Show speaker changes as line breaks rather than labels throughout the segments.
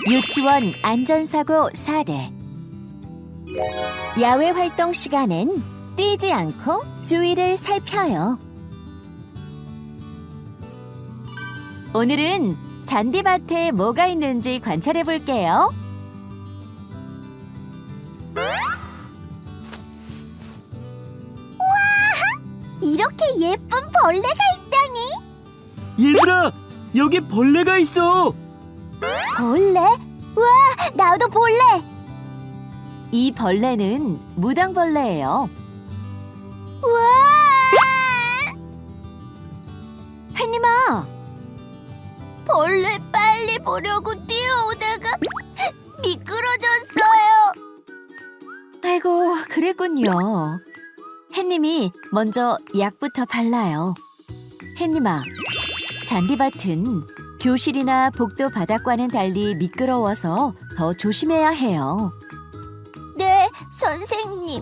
유치원 안전사고 사례. 야외 활동 시간엔 뛰지 않고 주위를 살펴요. 오늘은 잔디밭에 뭐가 있는지 관찰해 볼게요.
이렇게 예쁜 벌레가 있다니!
얘들아, 여기 벌레가 있어.
벌레? 와, 나도 볼래!
이 벌레는 무당벌레예요.
우와!
햇님아,
벌레 빨리 보려고 뛰어오다가 미끄러졌어요.
아이고, 그랬군요. 햇님이 먼저 약부터 발라요. 햇님아, 잔디밭은 교실이나 복도 바닥과는 달리 미끄러워서 더 조심해야 해요.
네, 선생님.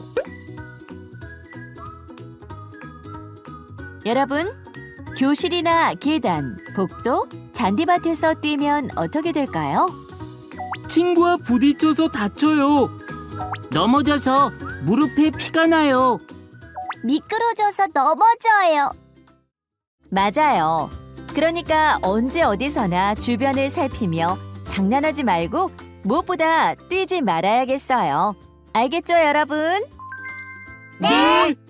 여러분, 교실이나 계단, 복도, 잔디밭에서 뛰면 어떻게 될까요?
친구와 부딪혀서 다쳐요. 넘어져서 무릎에 피가 나요.
미끄러져서 넘어져요.
맞아요. 그러니까 언제 어디서나 주변을 살피며 장난하지 말고 무엇보다 뛰지 말아야겠어요. 알겠죠, 여러분?
네.